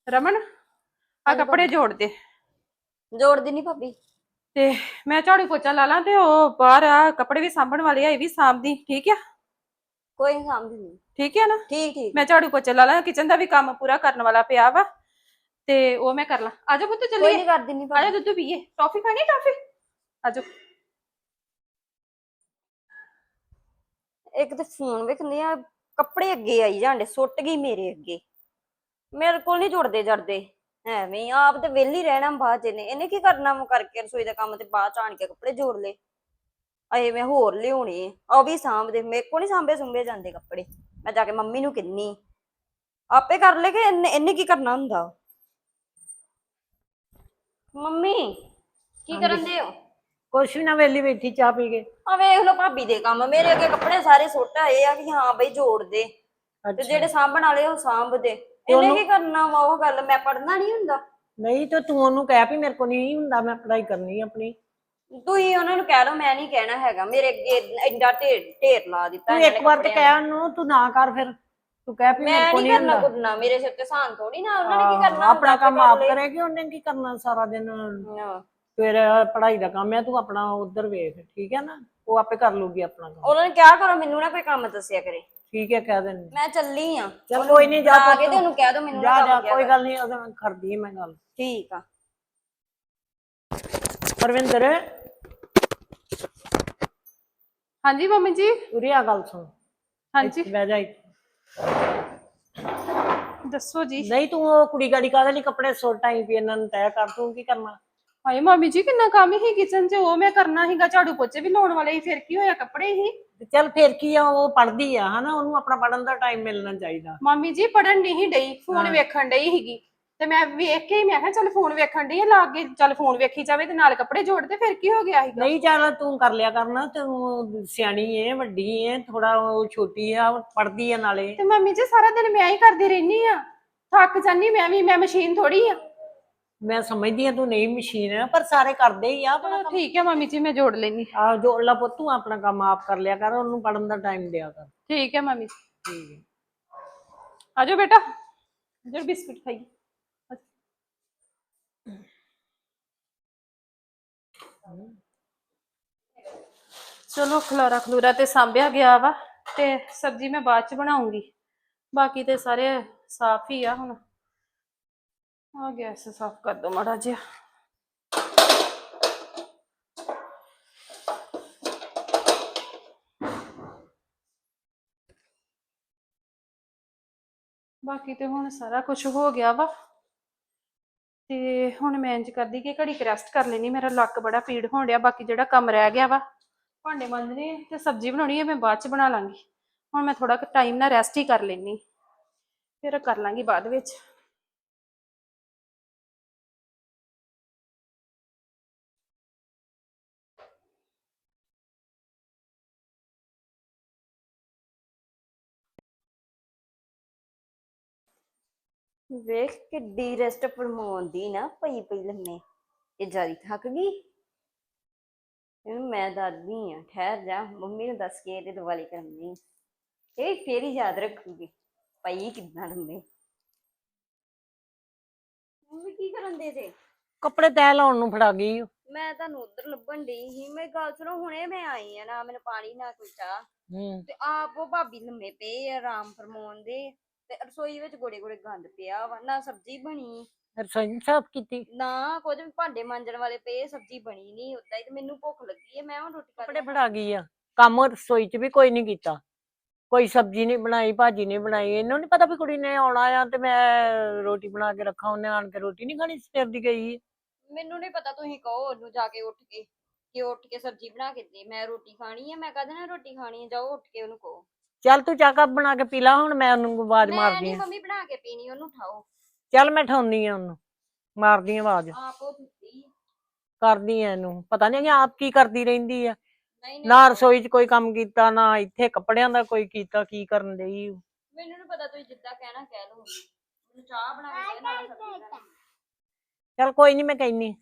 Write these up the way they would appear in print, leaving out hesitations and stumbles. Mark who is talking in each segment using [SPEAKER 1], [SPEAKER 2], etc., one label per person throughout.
[SPEAKER 1] ਰਮਨ ਆ ਕੱਪੜੇ ਜੋੜ ਦੇ।
[SPEAKER 2] ਜੋੜਦੀ ਨਹੀਂ ਭਾਬੀ।
[SPEAKER 1] ਤੇ ਮੈਂ ਝਾੜੂ ਪੋਚਾ ਲਾ ਲਾਂ ਤੇ ਉਹ ਬਾਹਰ ਆ ਕੱਪੜੇ ਵੀ ਸਾਂਭਣ ਵਾਲੇ ਆ, ਇਹ ਵੀ ਸਾਂਭਦੀ। ਠੀਕ ਆ?
[SPEAKER 2] ਕੋਈ ਨਹੀਂ ਸਮਝਦੀ ਨਹੀਂ।
[SPEAKER 1] ਠੀਕ ਹੈ ਨਾ?
[SPEAKER 2] ਠੀਕ ਠੀਕ।
[SPEAKER 1] ਮੈਂ ਝਾੜੂ ਪੋਚਾ ਲਾ ਲਾਂ, ਕਿਚਨ ਦਾ ਵੀ ਕੰਮ ਪੂਰਾ ਕਰਨ ਵਾਲਾ ਪਿਆ ਵਾ ਤੇ ਉਹ ਮੈਂ ਕਰ ਲਾਂ। ਆਜੋ ਪੁੱਤ
[SPEAKER 2] ਕੋਈ
[SPEAKER 1] ਚੱਲੀਏ।
[SPEAKER 2] ਨਹੀਂ ਕਰ ਦਿੰਦੀ
[SPEAKER 1] ਆਜਾ
[SPEAKER 2] ਭਾਬੀ।
[SPEAKER 1] ਦੁੱਧ ਪੀਏ। ਟੌਫੀ ਖਾਣੀ? ਟੌਫੀ ਆਜੋ।
[SPEAKER 2] ਇੱਕ ਤੇ ਫੋਨ ਵੇਖਦੇ ਆ, ਕੱਪੜੇ ਅੱਗੇ ਆਈ ਜਾਂਦੇ, ਸੁੱਟ ਗਈ ਮੇਰੇ ਅੱਗੇ। ਮੇਰੇ ਕੋਲ ਨਹੀਂ ਜੁੜਦੇ ਜੜਦੇ। ਐਵੇਂ ਹੀ ਆਪ ਤੇ ਵਿਹਲੀ ਰਹਿਣਾ ਬਾਅਦ ਚ ਇਹਨੇ ਕੀ ਕਰਨਾ ਵਾ ਕਰਕੇ ਰਸੋਈ ਦਾ ਕੰਮ ਤੇ ਬਾਅਦ ਚ ਆਣ ਕੇ ਕੱਪੜੇ ਜੋੜ ਲਏ। ਅਏ ਮੈਂ ਹੋਰ ਲਿਆਉਣੇ ਉਹ ਵੀ ਸਾਂਭਦੇ, ਮੇਰੇ ਕੋਲ ਨਹੀਂ ਸਾਂਭੇ ਸੁੰਭੇ ਜਾਂਦੇ ਕੱਪੜੇ। ਮੈਂ ਜਾ ਕੇ ਮੰਮੀ ਨੂੰ ਕਹਿੰਨੀ ਆਪੇ ਕਰ ਲੈ ਕਿ ਇਹਨੇ ਕੀ ਕਰਨਾ ਹੁੰਦਾ। ਮੰਮੀ ਕੀ ਕਰਨ ਦੇ ਹੋ?
[SPEAKER 3] ਕੁਛ ਵੀ ਨਾ, ਵੇਲੀ ਬੈਠੀ ਚਾਹ ਪੀ ਕੇ।
[SPEAKER 2] ਆ ਵੇਖ ਲੋ ਭਾਬੀ ਦੇ ਕੰਮ, ਮੇਰੇ ਅੱਗੇ ਕੱਪੜੇ ਸਾਰੇ ਸੁੱਟ ਆਏ ਆ ਕਿ ਹਾਂ ਬਈ ਜੋੜ ਦੇ ਤੇ ਜਿਹੜੇ ਸਾਂਭਣ ਵਾਲੇ ਉਹ ਸਾਂਭ ਦੇ। ਇਹਨੇ ਕੀ ਕਰਨਾ ਵਾ? ਉਹ ਗੱਲ ਮੈਂ ਪੜ੍ਹਨਾ ਨਹੀਂ ਹੁੰਦਾ?
[SPEAKER 3] ਨਹੀਂ ਤੇ ਤੂੰ ਉਹਨੂੰ ਕਹਿ ਵੀ ਮੇਰੇ ਕੋਲ ਨਹੀਂ ਹੁੰਦਾ, ਮੈਂ ਪੜ੍ਹਾਈ ਕਰਨੀ ਆਪਣੀ।
[SPEAKER 2] ਤੁਸੀਂ ਉਹਨਾਂ ਨੂੰ ਕਹਿ ਲਓ, ਮੈਂ ਨਹੀਂ ਕਹਿਣਾ ਹੈਗਾ। ਮੇਰੇ ਅੱਗੇ ਐਡਾ ਢੇਰ ਲਾ ਦਿੱਤਾ
[SPEAKER 3] ਤੂੰ
[SPEAKER 2] ਇਹਨਾਂ
[SPEAKER 3] ਇੱਕ
[SPEAKER 2] ਨੇ
[SPEAKER 3] ਵਾਰ ਤੇ
[SPEAKER 2] ਕੱਪੜਿਆਂ ਦਾ।
[SPEAKER 3] ਕਹਿ ਉਹਨੂੰ, ਤੂੰ ਨਾ ਕਰ ਫਿਰ। ਤੂੰ ਕਹਿ ਵੀ ਮੇਰੇ
[SPEAKER 2] ਮੈਂ
[SPEAKER 3] ਕੋਲ
[SPEAKER 2] ਨਹੀਂ
[SPEAKER 3] ਨਹੀਂ
[SPEAKER 2] ਕਰਨਾ
[SPEAKER 3] ਹੁੰਦਾ।
[SPEAKER 2] ਕੁੱਟਣਾ, ਮੇਰੇ ਸਿਰ ਤੇ ਸਾਨ ਥੋੜੀ ਨਾ। ਉਹਨਾਂ ਨੇ ਕੀ ਕਰਨਾ ਹੁੰਦਾ?
[SPEAKER 3] ਆਪਣਾ ਕੰਮ
[SPEAKER 2] ਆਪੇ ਕਰ
[SPEAKER 3] ਆਪ
[SPEAKER 2] ਲਏ।
[SPEAKER 3] ਕਰੇਗੀ, ਉਹਨੇ ਕੀ ਕਰਨਾ ਸਾਰਾ ਦਿਨ।
[SPEAKER 2] ਹਾਂ।
[SPEAKER 3] ਫਿਰ ਪੜ੍ਹਾਈ ਦਾ ਕੰਮ ਹੈ, ਤੂੰ ਆਪਣਾ ਉਧਰ ਵੇਖ। ਠੀਕ ਹੈ ਨਾ? ਉਹ ਆਪੇ ਕਰ ਲੂਗੀ ਆਪਣਾ ਕੰਮ।
[SPEAKER 2] ਉਹਨਾਂ ਨੇ ਕਿਹਾ ਕਰੋ ਮੈਨੂੰ ਨਾ ਕੋਈ ਕੰਮ ਦੱਸਿਆ ਕਰੇ।
[SPEAKER 3] ਠੀਕ ਹੈ, ਕਹਿ ਦੇਣੀ।
[SPEAKER 2] ਮੈਂ ਚੱਲੀ ਆ।
[SPEAKER 3] ਚਲ ਕੋਈ ਨਹੀਂ, ਜਾ
[SPEAKER 2] ਆ ਕੇ ਤੇ ਉਹਨੂੰ ਕਹਿ ਦੋ ਮੈਨੂੰ ਨਾ
[SPEAKER 3] ਜਾ
[SPEAKER 2] ਕੰਮ ਕਿਹਾ
[SPEAKER 3] ਕੋਈ
[SPEAKER 2] ਕਰ।
[SPEAKER 3] ਗੱਲ ਨਹੀਂ, ਉਹਦੇ ਨਾਲ ਕਰਦੀ ਮੈਂ ਗੱਲ।
[SPEAKER 2] ਠੀਕ ਆ।
[SPEAKER 3] ਪਰਵਿੰਦਰ,
[SPEAKER 1] ਹਾਂਜੀ ਮੰਮੀ ਜੀ।
[SPEAKER 3] ਉਰੇ ਆ, ਗੱਲ ਸੁਣ।
[SPEAKER 1] ਹਾਂਜੀ
[SPEAKER 3] ਇੱਥੇ ਬਹਿ ਜਾ ਇੱਥੇ।
[SPEAKER 1] ਦੱਸੋ ਜੀ।
[SPEAKER 3] ਨਹੀਂ ਤੂੰ ਉਹ ਕੁੜੀ ਗਾੜੀ ਕਾਹਦੇ ਲਈ ਕੱਪੜੇ ਸੁੱਟ ਆਈ ਵੀ? ਇਹਨਾਂ ਨੂੰ ਤੈਅ ਕਰ, ਤੂੰ ਕੀ ਕਰਨਾ?
[SPEAKER 1] ਹਾਏ ਮੰਮੀ ਜੀ ਕਿੰਨਾ ਕੰਮ ਹੀ ਕਿਚਨ 'ਚ, ਉਹ ਮੈਂ ਕਰਨਾ ਸੀਗਾ। ਝਾੜੂ ਪੋਚੇ ਵੀ ਲਾਉਣ ਵਾਲੇ ਸੀ, ਫਿਰ ਕੀ ਹੋਇਆ? ਕੱਪੜੇ ਹੀ।
[SPEAKER 3] ਤੇ ਚੱਲ ਫੇਰ ਕੀ ਆ, ਉਹ ਪੜ੍ਹਦੀ ਆ ਹਨਾ, ਉਹਨੂੰ ਆਪਣਾ ਪੜ੍ਹਨ ਦਾ ਟਾਈਮ ਮਿਲਣਾ ਚਾਹੀਦਾ।
[SPEAKER 1] ਮੰਮੀ ਜੀ ਪੜਨ ਨਹੀਂ ਡਈ, ਫੋਨ ਵੇਖਣ ਡਈ ਸੀਗੀ ਤੇ ਮੈਂ ਵੇਖ ਕੇ ਹੀ ਮੈਂ ਕਿਹਾ ਚੱਲ ਫੋਨ ਵੇਖਣ ਡਈ ਆ, ਲਾ ਕੇ ਚੱਲ ਫੋਨ ਵੇਖੀ ਜਾਵੇ ਤੇ ਨਾਲ ਕੱਪੜੇ ਜੋੜ ਦੇ। ਫਿਰ ਕੀ ਹੋ ਗਿਆ ਸੀਗਾ?
[SPEAKER 3] ਨਹੀਂ ਚੱਲ ਤੂੰ ਕਰ ਲਿਆ ਕਰਨਾ, ਤੂੰ ਸਿਆਣੀ ਏ, ਵੱਡੀ ਏ ਥੋੜਾ, ਉਹ ਛੋਟੀ ਆ, ਪੜ੍ਹਦੀ ਆ ਨਾਲੇ।
[SPEAKER 1] ਤੇ ਮੰਮੀ ਜੀ ਸਾਰਾ ਦਿਨ ਮੈਂ ਹੀ ਕਰਦੀ ਰਹਿਨੀ ਆ, ਥੱਕ ਜਾਨੀ ਮੈਂ ਵੀ। ਮੈਂ ਮਸ਼ੀਨ ਥੋੜੀ ਆ।
[SPEAKER 3] ਮੈਂ ਸਮਝਦੀ ਆ ਤੂੰ ਨਹੀਂ ਮਸ਼ੀਨ ਆ, ਪਰ ਸਾਰੇ ਕਰਦੇ ਹੀ ਆ ਆਪਣਾ ਕੰਮ।
[SPEAKER 1] ਠੀਕ ਹੈ ਮੰਮੀ ਜੀ, ਮੈਂ ਜੋੜ ਲੈਨੀ।
[SPEAKER 3] ਆ ਜੋੜ ਲਾ ਪੁੱਤ, ਤੂੰ ਆਪਣਾ ਕੰਮ ਆਪ ਕਰ ਲਿਆ ਕਰ, ਉਹਨੂੰ ਪੜ੍ਹਨ ਦਾ ਟਾਈਮ ਦਿਆ ਕਰ।
[SPEAKER 1] ਠੀਕ ਹੈ ਮੰਮੀ।
[SPEAKER 3] ਠੀਕ ਹੈ।
[SPEAKER 1] ਆਜੋ ਬੇਟਾ, ਜਰ ਬਿਸਕੁਟ ਖਾਈ। ਚਲੋ ਖਲਾਰਾ ਖਲੂਰਾ ਤੇ ਸਾਂਭਿਆ ਗਿਆ ਵਾ ਤੇ ਸਬਜ਼ੀ ਮੈਂ ਬਾਅਦ ਚ ਬਣਾਉਂਗੀ। ਬਾਕੀ ਤੇ ਸਾਰੇ ਸਾਫ ਹੀ ਆ। ਹੁਣ ਆ ਗੈਸ ਸਾਫ ਕਰ ਦੋ ਮਾੜਾ ਜਿਹਾ। ਬਾਕੀ ਤੇ ਹੁਣ ਸਾਰਾ ਕੁਝ ਹੋ ਗਿਆ ਵਾ ਤੇ ਹੁਣ ਮੈਂ ਇੰਜ ਕਰਦੀ ਕਿ ਘੜੀ ਕੁ ਰੈਸਟ ਕਰ ਲੈਣੀ। ਮੇਰਾ ਲੱਕ ਬੜਾ ਪੀੜ ਹੋਣ ਡਿਆ। ਬਾਕੀ ਜਿਹੜਾ ਕੰਮ ਰਹਿ ਗਿਆ ਵਾ, ਭਾਂਡੇ ਮਾਂਜਣੇ ਤੇ ਸਬਜ਼ੀ ਬਣਾਉਣੀ ਹੈ, ਮੈਂ ਬਾਅਦ ਚ ਬਣਾ ਲਾਂਗੀ। ਹੁਣ ਮੈਂ ਥੋੜਾ ਟਾਈਮ ਨਾਲ ਰੈਸਟ ਹੀ ਕਰ ਲੈਣੀ, ਫਿਰ ਕਰ ਲਾਂਗੀ ਬਾਅਦ ਵਿੱਚ।
[SPEAKER 2] ਵੇਖ ਕਿੱਡੀ ਰੈਸਟ ਫਰਮਾਉਂਦੀ ਨਾ, ਪਈ ਪਈ ਲੰਮੇ। ਇਹ ਜਿਆਦਾ ਥੱਕ ਗਈ। ਇਹਨੂੰ ਮੈਂ ਦੱਸਦੀ ਆ, ਠਹਿਰ ਜਾ, ਮੰਮੀ ਨੂੰ ਦੱਸ ਕੇ ਇਹਦੇ ਦਿਵਾਲੀ ਕਰਨੀ। ਇਹ ਫੇਰ ਹੀ ਯਾਦ ਰੱਖੂਗੀ ਪਈ ਕਿੰਨਾ ਲੰਮੇ। ਮੰਮੀ ਕੀ ਕਰਨ ਦੇ ਜੇ?
[SPEAKER 3] ਕੱਪੜੇ ਤੈਅ ਲਾਉਣ ਨੂੰ ਫੜਾ ਗਈ।
[SPEAKER 2] ਮੈਂ ਤੁਹਾਨੂੰ ਉਧਰ ਲੱਭਣ ਡਈ ਸੀ। ਮੇਰੀ ਗੱਲ ਸੁਣੋ, ਹੁਣੇ ਮੈਂ ਆਈ ਆ, ਨਾ ਮੈਨੂੰ ਪਾਣੀ ਨਾ ਕੋਈ ਚਾਹ। ਤੇ ਆਪ ਉਹ ਭਾਬੀ ਲੰਮੇ ਪਏ ਆ, ਆਰਾਮ ਫਰਮਾਉਣ ਦੇ। ਤੇ ਰਸੋਈ ਵਿੱਚ ਗੋੜੇ ਗੋੜੇ ਗੰਦ ਪਿਆ ਵਾ, ਨਾ ਸਬਜ਼ੀ ਬਣੀ
[SPEAKER 3] ਰਸੋਈ ਸਾਫ਼ ਕੀਤੀ?
[SPEAKER 2] ਨਾ ਕੁਝ ਵੀ। ਭਾਂਡੇ ਮਾਂਜਣ ਵਾਲੇ ਪਏ, ਸਬਜ਼ੀ ਬਣੀ ਨਹੀਂ ਉਦਾਂ ਹੀ। ਤੇ ਮੈਨੂੰ ਭੁੱਖ ਲੱਗੀ ਹੈ, ਮੈਂ ਹੁਣ ਰੋਟੀ ਖਾ
[SPEAKER 3] ਕੱਪੜੇ ਫੜਾ ਗਈ ਆ। ਕੰਮ ਰਸੋਈ ਚ ਵੀ ਕੋਈ ਨਹੀਂ ਕੀਤਾ, ਕੋਈ ਸਬਜ਼ੀ ਨਹੀਂ ਬਣਾਈ, ਭਾਜੀ ਨਹੀਂ ਬਣਾਈ। ਇਹਨੂੰ ਨਹੀਂ ਪਤਾ ਵੀ ਕੁੜੀ ਨੇ ਆਉਣਾ ਆ ਤੇ ਮੈਂ ਰੋਟੀ ਬਣਾ ਕੇ ਰੱਖਾਂ। ਉਹਨੇ ਆਣ ਕੇ ਰੋਟੀ ਨਹੀਂ ਖਾਣੀ, ਸਵੇਰ ਦੀ ਗਈ।
[SPEAKER 2] ਮੈਨੂੰ ਨਹੀਂ ਪਤਾ, ਤੁਸੀਂ ਕਹੋ ਉਹਨੂੰ ਜਾ ਕੇ ਉੱਠ ਕੇ ਕਿ ਉੱਠ ਕੇ ਸਬਜ਼ੀ ਬਣਾ ਕੇ ਦੇ, ਮੈਂ ਰੋਟੀ ਖਾਣੀ ਹੈ। ਮੈਂ ਕਹਦੇ ਨਾ ਰੋਟੀ ਖਾਣੀ ਹੈ, ਜਾਓ ਉੱਠ ਕੇ ਉਹਨੂੰ ਕਹੋ।
[SPEAKER 3] ਚੱਲ ਤੂੰ ਚਾਹ ਕੱਪ ਬਣਾ ਕੇ ਪੀ ਲਾ, ਹੁਣ ਮੈਂ ਉਹਨੂੰ ਆਵਾਜ਼
[SPEAKER 2] ਮੈਂ
[SPEAKER 3] ਮਾਰਦੀ
[SPEAKER 2] ਨਹੀਂ
[SPEAKER 3] ਆ।
[SPEAKER 2] ਮੰਮੀ ਬਣਾ ਕੇ ਪੀਣੀ, ਉਹਨੂੰ ਉਠਾਓ।
[SPEAKER 3] ਚੱਲ ਮੈਂ ਠਾਉਣੀ ਆ ਉਹਨੂੰ, ਮਾਰਦੀ ਆ ਆਵਾਜ਼।
[SPEAKER 2] ਆਪ ਉਹ ਸੁੱਤੀ।
[SPEAKER 3] ਕਰਦੀ ਆ ਇਹਨੂੰ, ਪਤਾ ਨਹੀਂ ਆਪ ਕੀ ਕਰਦੀ ਰਹਿੰਦੀ ਆ।
[SPEAKER 2] ਨਹੀਂ ਨਹੀਂ,
[SPEAKER 3] ਨਾ ਰਸੋਈ ਚ ਕੋਈ ਕੰਮ ਕੀਤਾ, ਨਾ ਇੱਥੇ ਕੱਪੜਿਆਂ ਦਾ ਕੋਈ ਕੀਤਾ। ਕੀ ਕਰਨ ਡਈ?
[SPEAKER 2] ਮੈਨੂੰ ਨੀ ਪਤਾ, ਤੁਸੀਂ ਜਿੱਦਾਂ ਕਹਿਣਾ ਕਹਿ ਲਓ। ਮੈਨੂੰ ਚਾਹ ਬਣਾ ਕੇ ਦੇ, ਨਾਲ ਸਬਜ਼ੀ ਬਣਾ ਕੇ।
[SPEAKER 3] ਚੱਲ ਕੋਈ ਨਹੀਂ, ਮੈਂ ਕਹਿਨੀ।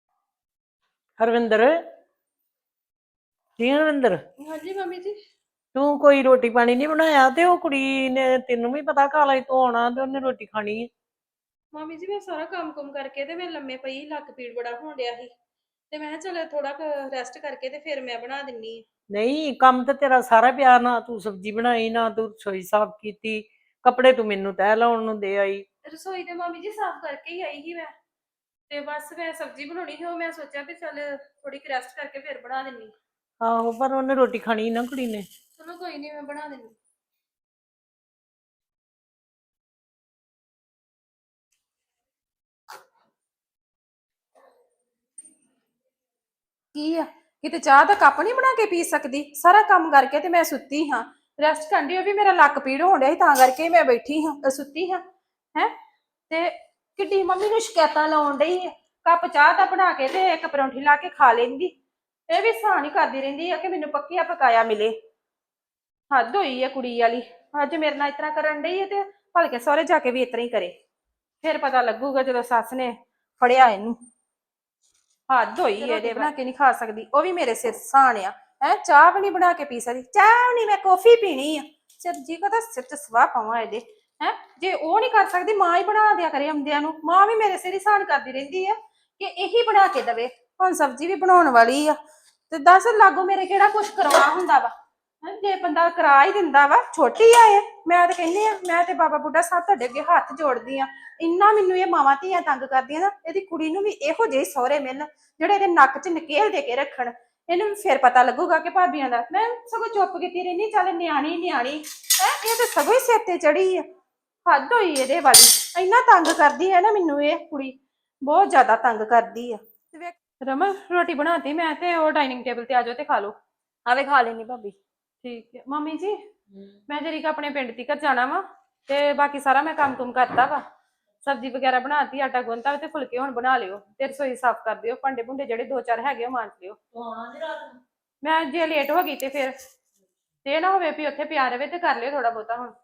[SPEAKER 3] ਹਰਵਿੰਦਰ, ਜੀ ਹਰਵਿੰਦਰ,
[SPEAKER 1] ਹਾਂਜੀ ਮੰਮੀ ਜੀ।
[SPEAKER 3] ਤੂੰ ਕੋਈ ਰੋਟੀ ਪਾਣੀ ਨਹੀਂ ਬਣਾਇਆ ਤੇ ਉਹ ਕੁੜੀ ਨੇ ਤੈਨੂੰ ਵੀ ਪਤਾ ਕਾਲਜ ਤੋਂ ਆਉਣਾ ਤੇ ਉਹਨੇ ਰੋਟੀ ਖਾਣੀ ਹੈ।
[SPEAKER 1] ਮੰਮੀ ਜੀ ਮੈਂ ਸਾਰਾ ਕੰਮ ਕਰਕੇ ਤੇ ਮੈਂ ਲੰਮੇ ਪਈ, ਲੱਕ ਪੀੜ ਬੜਾ ਹੋਣ ਡਿਆ ਸੀ ਤੇ ਮੈਂ ਕਿਹਾ ਚਲ ਥੋੜਾ ਰੈਸਟ ਕਰਕੇ ਤੇ ਫਿਰ ਮੈਂ ਬਣਾ ਦਿੰਨੀ ਆ।
[SPEAKER 3] ਨਹੀਂ ਕੰਮ ਤੇ ਤੇਰਾ ਸਾਰਾ ਪਿਆ, ਨਾ ਤੂੰ ਸਬਜ਼ੀ ਬਣਾਈ ਨਾ ਤੂੰ ਰਸੋਈ ਸਾਫ਼ ਕੀਤੀ, ਕੱਪੜੇ ਤੂੰ ਮੈਨੂੰ ਤਹਿ ਲਾਉਣ ਨੂੰ ਦੇ ਆਈ।
[SPEAKER 1] ਰਸੋਈ ਤੇ ਮੰਮੀ ਜੀ ਸਾਫ਼ ਕਰਕੇ ਹੀ ਆਈ ਸੀ ਮੈਂ, ਤੇ ਬਸ ਮੈਂ ਸਬਜ਼ੀ ਬਣਾਉਣੀ ਸੀ, ਉਹ ਮੈਂ ਸੋਚਿਆ ਵੀ ਚੱਲ ਥੋੜੀ ਰੈਸਟ ਕਰਕੇ ਫਿਰ ਬਣਾ ਦਿੰਨੀ।
[SPEAKER 3] ਆਹੋ ਪਰ ਉਹਨੇ ਰੋਟੀ ਖਾਣੀ ਨਾ ਕੁੜੀ ਨੇ।
[SPEAKER 1] ਚਲੋ ਕੋਈ ਨਹੀਂ ਮੈਂ ਬਣਾ ਦਿੰਨੀ। ਕੀ ਆ, ਕਿਤੇ ਚਾਹ ਦਾ ਕੱਪ ਨਹੀਂ ਬਣਾ ਕੇ ਪੀ ਸਕਦੀ? ਸਾਰਾ ਕੰਮ ਕਰਕੇ ਤੇ ਮੈਂ ਸੁੱਤੀ ਹਾਂ, ਰੈਸਟ ਕਰਨੀ, ਉਹ ਵੀ ਮੇਰਾ ਲੱਕ ਪੀੜ ਹੋਣ ਡਿਆ ਸੀ ਤਾਂ ਕਰਕੇ ਮੈਂ ਬੈਠੀ ਹਾਂ, ਸੁੱਤੀ ਹਾਂ ਹੈ। ਤੇ ਕਿੱਡੀ ਮੰਮੀ ਨੂੰ ਸ਼ਿਕਾਇਤਾਂ ਲਾਉਣ ਡਈ ਹੈ, ਕੱਪ ਚਾਹ ਦਾ ਬਣਾ ਕੇ ਤੇ ਇੱਕ ਪਰੌਂਠੀ ਲਾ ਕੇ ਖਾ ਲੈਂਦੀ। ਇਹ ਵੀ ਸਾਨ ਹੀ ਕਰਦੀ ਰਹਿੰਦੀ ਆ ਕਿ ਮੈਨੂੰ ਪੱਕਿਆ ਪਕਾਇਆ ਮਿਲੇ। ਹੱਦ ਹੋਈ ਹੈ ਕੁੜੀ ਵਾਲੀ, ਅੱਜ ਮੇਰੇ ਨਾਲ ਇਸ ਤਰ੍ਹਾਂ ਕਰਨ ਡਈ ਹੈ ਤੇ ਭਲਕੇ ਸਹੁਰੇ ਜਾ ਕੇ ਵੀ ਇਸ ਤਰ੍ਹਾਂ ਹੀ ਕਰੇ, ਫਿਰ ਪਤਾ ਲੱਗੂਗਾ ਜਦੋਂ ਸੱਸ ਨੇ ਫੜਿਆ ਇਹਨੂੰ। ਹੱਦ ਹੋਈ ਹੈ ਇਹਦੇ, ਬਣਾ ਕੇ ਨਹੀਂ ਖਾ ਸਕਦੀ, ਉਹ ਵੀ ਮੇਰੇ ਸਿਰ ਸਾਣ ਆ ਹੈ। ਚਾਹ ਵੀ ਨਹੀਂ ਬਣਾ ਕੇ ਪੀ ਸਕਦੀ, ਚਾਹ ਨਹੀਂ, ਮੈਂ ਕੌਫੀ ਪੀਣੀ ਆ। ਸਿਰ ਜੀ ਕਦਾ ਸਿਰ ਚ ਸਵਾਹ ਪਾਵਾਂ ਇਹਦੇ ਹੈ। ਜੇ ਉਹ ਨਹੀਂ ਕਰ ਸਕਦੀ ਮਾਂ ਹੀ ਬਣਾ ਦਿਆ ਕਰੇ ਆਉਂਦਿਆਂ ਨੂੰ, ਮਾਂ ਵੀ ਮੇਰੇ ਸਿਰ ਹੀ ਸਾਨ ਕਰਦੀ ਰਹਿੰਦੀ ਆ ਕਿ ਇਹੀ ਬਣਾ ਕੇ ਦਵੇ। ਹੁਣ ਸਬਜ਼ੀ ਵੀ ਬਣਾਉਣ ਵਾਲੀ ਆ ਤੇ ਦੱਸ ਲਾਗੋ ਮੇਰੇ ਕਿਹੜਾ ਕੁਛ ਕਰਵਾ ਹੁੰਦਾ ਵਾ। ਜੇ ਬੰਦਾ ਕਰਾ ਹੀ ਦਿੰਦਾ ਵਾ, ਛੋਟੀ ਆ ਇਹ। ਮੈਂ ਤੇ ਕਹਿੰਦੀ ਆ, ਮੈਂ ਤੇ ਬਾਬਾ ਬੁੱਢਾ ਸਾਹਿਬ ਤੁਹਾਡੇ ਅੱਗੇ ਹੱਥ ਜੋੜਦੀ ਆ, ਇੰਨਾ ਮੈਨੂੰ ਇਹ ਮਾਵਾਂ ਧੀਆਂ ਤੰਗ ਕਰਦੀਆਂ ਨਾ, ਇਹਦੀ ਕੁੜੀ ਨੂੰ ਵੀ ਇਹੋ ਜਿਹੇ ਸਹੁਰੇ ਮਿਲਣ ਜਿਹੜੇ ਇਹਦੇ ਨੱਕ 'ਚ ਨਕੇਲ ਦੇ ਕੇ ਰੱਖਣ। ਇਹਨੂੰ ਵੀ ਫਿਰ ਪਤਾ ਲੱਗੂਗਾ ਕਿ ਭਾਬੀਆਂ ਦਾ। ਮੈਂ ਸਗੋਂ ਚੁੱਪ ਕੀਤੀ ਰਹਿੰਦੀ, ਚੱਲ ਨਿਆਣੀ ਨਿਆਣੀ ਹੈ, ਇਹ ਤੇ ਸਗੋਂ ਹੀ ਸਿਰ ਤੇ ਚੜੀ ਆ। ਹੱਦ ਹੋਈ ਇਹਦੇ ਵਾਲੀ, ਇੰਨਾ ਤੰਗ ਕਰਦੀ ਹੈ ਨਾ ਮੈਨੂੰ ਇਹ ਕੁੜੀ, ਬਹੁਤ ਜ਼ਿਆਦਾ ਤੰਗ ਕਰਦੀ ਆ। ਰਮਨ ਰੋਟੀ ਬਣਾਤੀ ਮੈਂ, ਤੇ ਉਹ ਡਾਈਨਿੰਗ ਟੇਬਲ ਤੇ ਆ ਜਾਓ ਤੇ ਖਾ ਲਓ।
[SPEAKER 2] ਆਵੇ ਖਾ ਲੈਣੀ ਭਾਬੀ।
[SPEAKER 1] ਠੀਕ ਹੈ ਮੰਮੀ ਜੀ, ਮੈਂ ਜਰੀ ਆਪਣੇ ਪਿੰਡ ਤੀਕਰ ਜਾਣਾ ਵਾ ਤੇ ਬਾਕੀ ਸਾਰਾ ਮੈਂ ਕੰਮ ਕੁਮ ਕਰਤਾ ਵਾ, ਸਬਜ਼ੀ ਵਗੈਰਾ ਬਣਾਤੀ, ਆਟਾ ਗੁੰਨਤਾ ਤੇ ਫੁਲਕੇ ਹੁਣ ਬਣਾ ਲਿਓ ਤੇ ਰਸੋਈ ਸਾਫ਼ ਕਰ ਦਿਓ, ਭਾਂਡੇ ਭੁੰਡੇ ਜਿਹੜੇ 2-4 ਹੈਗੇ ਉਹ ਮਾਂਜ ਲਿਓ। ਮੈਂ ਜੇ ਲੇਟ ਹੋ ਗਈ ਤੇ ਫਿਰ ਤੇ ਨਾ ਹੋਵੇ ਵੀ ਉੱਥੇ ਪਿਆ ਰਵੇ, ਤੇ ਕਰ ਲਿਓ ਥੋੜਾ ਬਹੁਤਾ ਹੁਣ।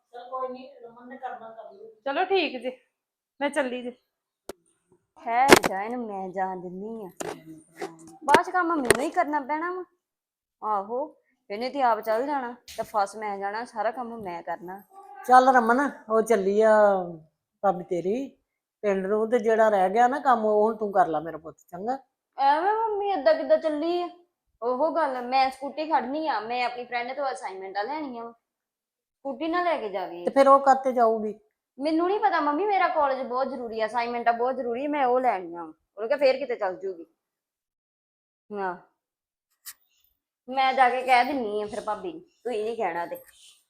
[SPEAKER 1] ਚਲੋ ਠੀਕ ਜੀ, ਮੈਂ ਚੱਲੀ ਜੀ।
[SPEAKER 2] ਹੈ ਜਾ ਇਹਨੂੰ ਮੈਂ ਜਾਣ ਦਿੰਨੀ ਆ, ਬਾਅਦ ਚ ਕੰਮ ਮੈਨੂੰ ਹੀ ਕਰਨਾ ਪੈਣਾ ਵਾ। ਆਹੋ ਇਹਨੇ ਤੇ ਆਪ ਚੱਲ ਜਾਣਾ ਤੇ ਫਸ ਮੈਂ ਜਾਣਾ, ਸਾਰਾ ਕੰਮ ਮੈਂ ਕਰਨਾ।
[SPEAKER 3] ਚੱਲ ਰਮਨ, ਉਹ ਚੱਲੀ ਆ ਭਾਬੀ ਤੇਰੀ ਪਿੰਡ ਨੂੰ, ਤੇ ਜਿਹੜਾ ਰਹਿ ਗਿਆ ਨਾ ਕੰਮ ਉਹ ਹੁਣ ਤੂੰ ਕਰ ਲੈ ਮੇਰਾ ਪੁੱਤ, ਚੰਗਾ।
[SPEAKER 2] ਐਵੇਂ ਮੰਮੀ ਏਦਾਂ ਕਿੱਦਾਂ ਚੱਲੀ ਆ? ਉਹ ਗੱਲ, ਮੈਂ ਸਕੂਟੀ ਖੜਨੀ ਆ, ਮੈਂ ਆਪਣੀ ਫਰੈਂਡ ਤੋਂ ਅਸਾਈਨਮੈਂਟਾਂ ਲੈਣੀਆਂ ਵਾ, ਸਕੂਟੀ ਨਾ ਲੈ ਕੇ ਜਾਵੇ।
[SPEAKER 3] ਤੇ ਫਿਰ ਉਹ ਕਰਤੇ ਜਾਊਗੀ?
[SPEAKER 2] ਮੈਨੂੰ ਨਹੀਂ ਪਤਾ ਮੰਮੀ, ਮੇਰਾ ਕਾਲਜ ਬਹੁਤ ਜ਼ਰੂਰੀ ਆ, ਅਸਾਈਨਮੈਂਟਾਂ ਬਹੁਤ ਜ਼ਰੂਰੀ, ਮੈਂ ਉਹ ਲੈਣੀਆਂ ਵਾ। ਉਹਨੇ ਕਿਹਾ ਫੇਰ ਕਿਤੇ ਚੱਲ ਜੂਗੀ। ਹਾਂ ਮੈਂ ਜਾ ਕੇ ਕਹਿ ਦਿੰਨੀ ਆ ਫਿਰ ਭਾਬੀ ਨੂੰ, ਤੁਸੀਂ ਨਹੀਂ ਕਹਿਣਾ ਤੇ।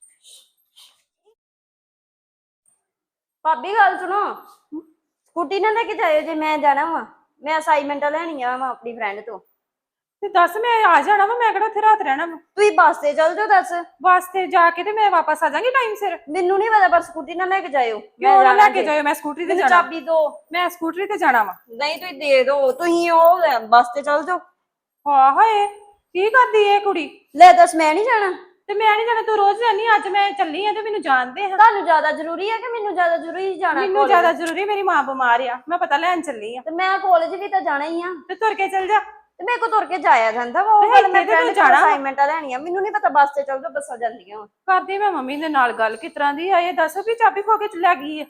[SPEAKER 2] ਭਾਬੀ ਗੱਲ ਸੁਣੋ, ਸਕੂਟੀ ਨਾ ਲੈ ਕੇ ਜਾਇਓ ਜੇ ਮੈਂ ਜਾਣਾ ਵਾ, ਮੈਂ ਅਸਾਈਨਮੈਂਟਾਂ ਲੈਣੀਆਂ ਵਾ ਆਪਣੀ ਫਰੈਂਡ ਤੋਂ।
[SPEAKER 1] ਤੇ ਦੱਸ ਮੈਂ ਆ ਜਾਣਾ ਵਾ, ਮੈਂ ਕਿਹੜਾ ਉੱਥੇ ਰਾਤ ਰਹਿਣਾ ਵਾ।
[SPEAKER 2] ਤੁਸੀਂ ਬੱਸ ਤੇ ਚੱਲ ਜਾਓ। ਦੱਸ
[SPEAKER 1] ਬੱਸ ਤੇ ਜਾ ਕੇ ਤੇ ਮੈਂ ਵਾਪਸ ਆ ਜਾਵਾਂਗੀ ਟਾਈਮ ਸਿਰ।
[SPEAKER 2] ਮੈਨੂੰ ਨਹੀਂ ਪਤਾ, ਪਰ ਸਕੂਟੀ ਨਾ ਲੈ ਕੇ ਜਾਇਓ।
[SPEAKER 1] ਕਿਉਂ ਨਾ ਲੈ ਕੇ ਜਾਇਓ, ਮੈਂ ਸਕੂਟਰੀ ਤੇ
[SPEAKER 2] ਮੈਨੂੰ
[SPEAKER 1] ਜਾਣਾ।
[SPEAKER 2] ਚਾਬੀ ਦੋ।
[SPEAKER 1] ਮੈਂ ਸਕੂਟਰੀ ਤੇ ਜਾਣਾ ਵਾ।
[SPEAKER 2] ਨਹੀਂ ਤੁਸੀਂ ਦੇ ਦੋ, ਤੁਸੀਂ ਉਹ ਬੱਸ ਤੇ ਚੱਲ ਜਾਓ।
[SPEAKER 1] ਹਾਂ ਹਾਏ ਕੀ ਕਰਦੀ ਇਹ ਕੁੜੀ?
[SPEAKER 2] ਲੈ ਦੱਸ, ਮੈਂ ਨਹੀਂ ਜਾਣਾ
[SPEAKER 1] ਤੇ ਮੈਂ ਨਹੀਂ ਜਾਣਾ, ਤੂੰ ਰੋਜ਼ ਜਾਨੀ, ਅੱਜ ਮੈਂ ਚੱਲੀ ਆ ਤੇ ਮੈਨੂੰ ਜਾਣਦੇ ਹਾਂ।
[SPEAKER 2] ਤੁਹਾਨੂੰ ਜ਼ਿਆਦਾ ਜ਼ਰੂਰੀ ਹੈ ਕਿ ਮੈਨੂੰ ਜ਼ਿਆਦਾ ਜ਼ਰੂਰੀ ਜਾਣਾ?
[SPEAKER 1] ਮੈਨੂੰ ਜ਼ਿਆਦਾ ਜ਼ਰੂਰੀ, ਮੇਰੀ ਮਾਂ ਬਿਮਾਰ ਆ, ਮੈਂ ਪਤਾ ਲੈਣ ਚੱਲੀ ਆ।
[SPEAKER 2] ਤੇ ਮੈਂ ਕਾਲਜ ਵੀ ਤਾਂ ਜਾਣਾ ਹੀ ਆ,
[SPEAKER 1] ਤੇ ਤੁਰ ਕੇ ਚੱਲ ਜਾ।
[SPEAKER 2] ਤੇ ਮੇਰੇ ਕੋ ਤੁਰ ਕੇ ਜਾਇਆ ਜਾਂਦਾ ਵਾ। ਉਹ ਗੱਲ ਮੈਂ
[SPEAKER 1] ਇੱਥੇ ਤੇ
[SPEAKER 2] ਫਰੈਂਡ
[SPEAKER 1] ਜਾਣਾ
[SPEAKER 2] ਤੋਂ ਅਸਾਈਨਮੈਂਟਾਂ ਲੈਣੀਆਂ, ਮੈਨੂੰ ਨਹੀਂ ਪਤਾ ਬੱਸ ਤੇ ਚੱਲ ਜਾਓ, ਬੱਸਾਂ ਜਾਂਦੀਆਂ ਵਾ।
[SPEAKER 1] ਕਰਦੀ ਮੈਂ ਮੰਮੀ ਦੇ ਨਾਲ ਗੱਲ, ਕਿਸ ਤਰ੍ਹਾਂ ਦੀ ਆ ਇਹ, ਦੱਸ ਵੀ ਚਾਬੀ ਖੋ ਕੇ ਲੈ ਗਈ ਆ।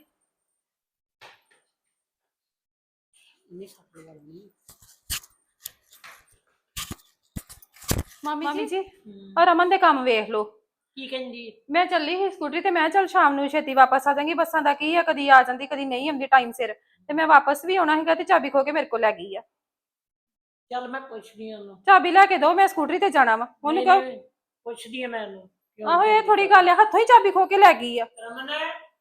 [SPEAKER 1] ਮੰਮੀ ਜੀ ਔਰ ਰਮਨ ਦੇ ਕੰਮ ਵੇਖ ਲਓ।
[SPEAKER 3] ਕੀ ਕਹਿੰਦੀ?
[SPEAKER 1] ਮੈਂ ਚੱਲੀ ਸੀ ਸਕੂਟਰੀ ਤੇ, ਮੈਂ ਚੱਲ ਸ਼ਾਮ ਨੂੰ ਛੇਤੀ ਵਾਪਸ ਆ ਜਾਵਾਂਗੀ, ਬੱਸਾਂ ਦਾ ਕੀ ਆ, ਕਦੀ ਆ ਜਾਂਦੀ ਕਦੀ ਨਹੀਂ ਆਉਂਦੀ ਟਾਈਮ ਸਿਰ, ਤੇ ਮੈਂ ਵਾਪਸ ਵੀ ਆਉਣਾ ਸੀਗਾ ਤੇ ਚਾਬੀ ਖੋ ਕੇ ਮੇਰੇ ਕੋਲ ਲੈ ਗਈ ਆ।
[SPEAKER 3] ਚੱਲ ਮੈਂ ਪੁੱਛਦੀ ਉਹਨੂੰ,
[SPEAKER 1] ਚਾਬੀ ਲੈ ਕੇ ਦੋ, ਮੈਂ ਸਕੂਟਰੀ ਤੇ ਜਾਣਾ ਵਾ। ਉਹਨੂੰ ਕਹੋ,
[SPEAKER 3] ਪੁੱਛਦੀ ਆ ਮੈਂ ਉਹਨੂੰ।
[SPEAKER 1] ਆਹੋ ਇਹ ਥੋੜੀ ਗੱਲ ਆ, ਹੱਥੋਂ ਹੀ ਚਾਬੀ ਖੋ ਕੇ ਲੈ ਗਈ ਆ।
[SPEAKER 3] ਰਮਨ